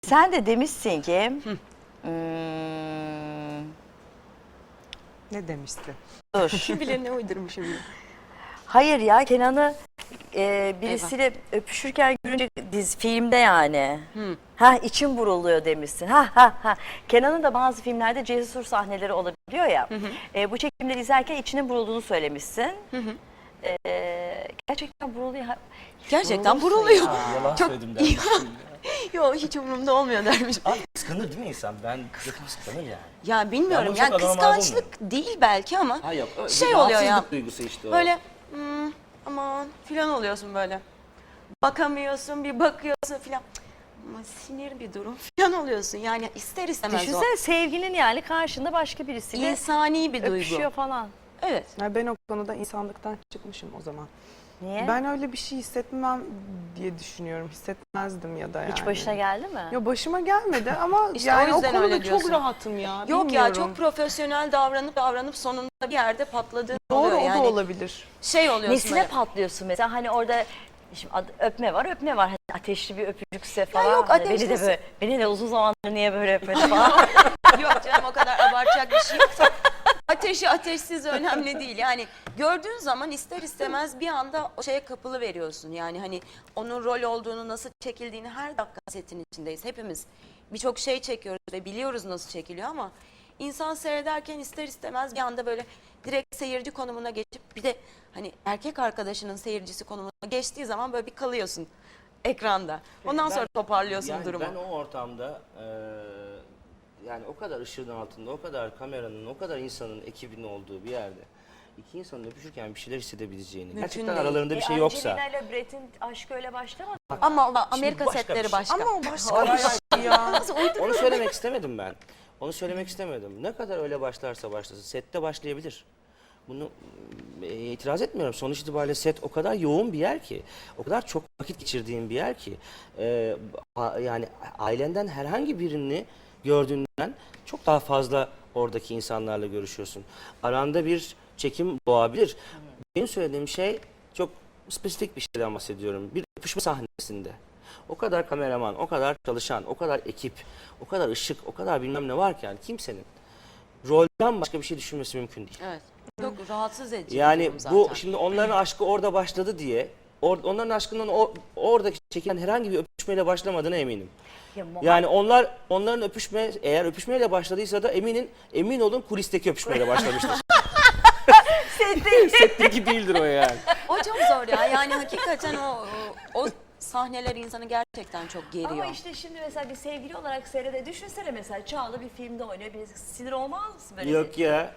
Sen de demişsin ki Ne demişti? dur. Kim bilir ne uydurmuşum. Hayır ya, Kenan'ı birisiyle öpüşürken görünce filmde yani. Ha, içim buruluyor demişsin. Ha. Kenan'ın da bazı filmlerde cesur sahneleri olabiliyor ya. Bu çekimleri izlerken içinin burulduğunu söylemişsin. Gerçekten buruluyor. Gerçekten buruluyor. Yalan Çok söyledim dermiş. Yok, hiç umurumda olmuyor dermiş. Abi kıskanır değil mi insan? Ben yakın kıskanır yani. Ya bilmiyorum, Yani bu yani çok anormal kıskançlık değil belki ama Ha yok. şey oluyor ya. Rahatsızlık duygusu işte o. Böyle aman filan oluyorsun böyle. Bakamıyorsun, bir bakıyorsun filan. Ama sinir bir durum filan oluyorsun. Yani ister istemez Düşünsene sevginin yani karşında başka o. birisiyle İnsani bir duygu. öpüşüyor falan. Evet. Ya ben o konuda insanlıktan çıkmışım o zaman. Niye? Ben öyle bir şey hissetmem diye düşünüyorum. Hissetmezdim ya da yani. Hiç başına geldi mi? Ya başıma gelmedi ama İşte yani o o yüzden konuda öyle çok diyorsun. rahatım ya. Yok ya, bilmiyorum. çok profesyonel davranıp sonunda bir yerde patladığın Doğru, oluyor. o da Yani olabilir. şey oluyorsun Nesine böyle. patlıyorsun mesela, hani orada şimdi öpme var hani ateşli bir öpücükse falan. yok, Hani ateşlisi. beni de uzun zamandır niye böyle öpmedi falan. Yok canım, o kadar abartacak bir şey yok. Ateşi ateşsiz önemli değil. Yani gördüğün zaman ister istemez bir anda o şeye kapılı veriyorsun. Yani hani onun rol olduğunu, nasıl çekildiğini, her dakika setin içindeyiz. Hepimiz birçok şey çekiyoruz ve biliyoruz nasıl çekiliyor ama insan seyrederken ister istemez bir anda böyle direkt seyirci konumuna geçip, bir de hani erkek arkadaşının seyircisi konumuna geçtiği zaman böyle bir kalıyorsun ekranda. Ondan sonra toparlıyorsun yani durumu. Ben o ortamda yani o kadar ışığın altında, o kadar kameranın, o kadar insanın, ekibinin olduğu bir yerde iki insanın öpüşürken bir şeyler hissedebileceğini, gerçekten değil. aralarında bir şey yoksa. Angelina ile Brett'in aşkı öyle başlamadı. Ama Amerika başka setleri bir şey. başka. Ama o başka bir şey ya. Onu söylemek istemedim ben. Onu söylemek istemedim. Ne kadar öyle başlarsa başlasın, sette başlayabilir. Bunu itiraz etmiyorum. Sonuç itibariyle set o kadar yoğun bir yer ki, o kadar çok vakit geçirdiğin bir yer ki, yani ailenden herhangi birini gördüğünden çok daha fazla oradaki insanlarla görüşüyorsun. Aranda bir çekim doğabilir. Benim söylediğim şey çok spesifik bir şeyden bahsediyorum. Bir öpüşme sahnesinde. O kadar kameraman, o kadar çalışan, o kadar ekip, o kadar ışık, o kadar bilmem ne varken kimsenin rolden başka bir şey düşünmesi mümkün değil. Evet. Çok rahatsız edici bir Yani durum zaten. bu şimdi onların aşkı orada başladı diye onların aşkının oradaki çekilen herhangi bir öpüşmeyle başlamadığına eminim. Yani onların öpüşme, eğer öpüşmeyle başladıysa da emin olun kulisteki öpüşmeyle başlamıştır. Setteki değildir o yani. O çok zor ya. Yani hakikaten o sahneler insanı gerçekten çok geriyor. Ama işte şimdi mesela bir sevgili olarak seyrede düşünsene, mesela Çağla bir filmde oynuyor. Bir sinir olmaz mısın böyle? Yok ya.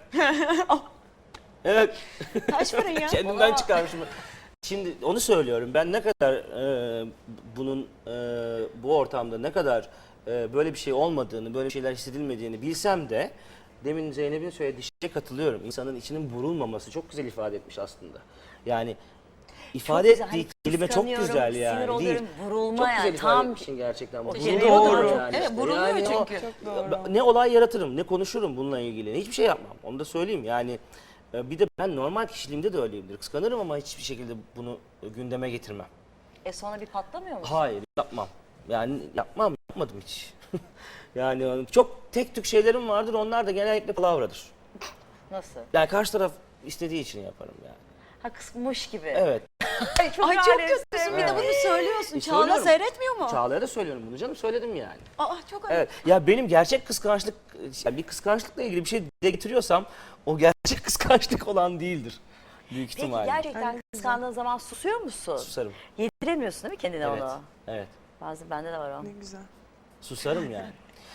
Evet. Kaç para ya? Kendimden çıkarmışım. Şimdi onu söylüyorum. Ben ne kadar bunun bu ortamda ne kadar böyle bir şey olmadığını, böyle şeyler hissedilmediğini bilsem de demin Zeynep'in söylediği şeye katılıyorum. İnsanın içinin burulmaması çok güzel ifade etmiş aslında. Yani ifade güzel, ettiği hani kelime çok kıskanıyorum, güzel yani. sinir oluyorum, Değil. vurulma çok yani, güzel ifade tam etmişsin gerçekten. o Vuruluyordur doğru. yani Evet, işte. vuruluyor Yani o- çünkü. Çok doğru. Ne olay yaratırım, ne konuşurum bununla ilgili. Hiçbir şey yapmam. Onu da söyleyeyim. Yani bir de ben normal kişiliğimde de öyleyimdir. Kıskanırım ama hiçbir şekilde bunu gündeme getirmem. Sonra bir patlamıyor musun? Hayır, yapmam. Yani yapmadım hiç. Yani çok tek tük şeylerim vardır. Onlar da genellikle palavradır. Nasıl? Yani karşı taraf istediği için yaparım yani. Ha, kısmış gibi. Evet. Ay çok, Ay çok alemsin. kötüsün, bir de bunu söylüyorsun. Çağla Söylüyorum. seyretmiyor mu? Çağla'ya da söylüyorum bunu canım. Söyledim yani. Aa, çok ayıp. Evet. Ya benim gerçek kıskançlık, yani bir kıskançlıkla ilgili bir şey dile getiriyorsam o gerçek kıskançlık olan değildir. Büyük Peki ihtimalle. gerçekten kıskandığın zaman susuyor musun? Susarım. Yediremiyorsun değil mi kendine Evet. onu? Evet. Bazı bende de var o. Ne güzel. Susarım yani.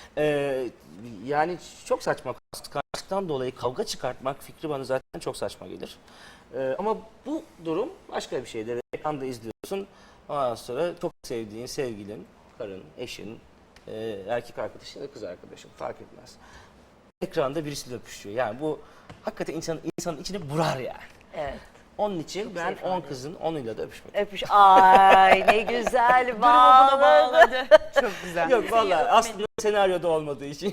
Yani çok saçma. Kıskançlıktan dolayı kavga çıkartmak fikri bana zaten çok saçma gelir. Ama bu durum başka bir şeydir. Ekranda izliyorsun. Ondan sonra çok sevdiğin sevgilin, karın, eşin, erkek arkadaşın ya da kız arkadaşın fark etmez. Ekranda birisiyle öpüşüyor. Yani bu hakikaten insanın içini burar yani. Evet. Onun için ben ifade 10 kızın 10'uyla da öpüşmek. Öpüş. Ay ne güzel bağladı. Çok güzel. Yok vallahi aslında senaryoda olmadığı için.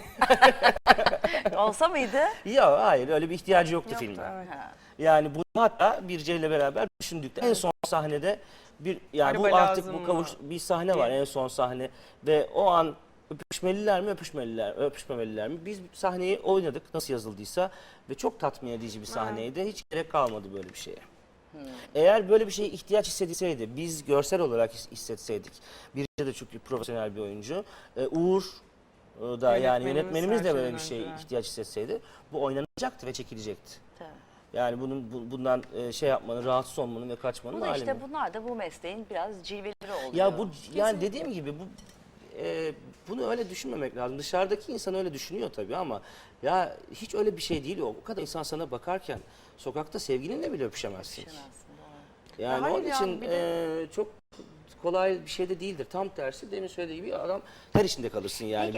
Olsa mıydı? Ya hayır öyle bir ihtiyacı yoktu Yoktu, filmde. evet. Yani bu hatta Birce ile beraber düşündük. En son sahnede yani Araba bu artık lazım bu mı? bir sahne var en son sahne ve o an Öpüşmeliler mi, öpüşmemeliler mi? Biz sahneyi oynadık nasıl yazıldıysa ve çok tatmin edici bir sahneydi. Hiç gerek kalmadı böyle bir şeye. Eğer böyle bir şeye ihtiyaç hissedilseydi, biz görsel olarak hissetseydik, Birce de çok profesyonel bir oyuncu, Uğur da yani yönetmenimiz de böyle bir şeye ihtiyaç hissetseydi, bu oynanacaktı ve çekilecekti. Tabii. Yani bundan şey yapmanın, rahatsız olmanın ve kaçmanın Bunu işte alemi. bunlar da bu mesleğin biraz cilveleri oluyor. Ya bu yani dediğim gibi bunu öyle düşünmemek lazım. Dışarıdaki insan öyle düşünüyor tabii ama ya hiç öyle bir şey değil o. O kadar insan sana bakarken sokakta sevgilinle bile öpüşemezsin. Yani Hayır onun ya, için bir çok kolay bir şey de değildir. Tam tersi demin söylediği gibi adam ter içinde kalırsın yani.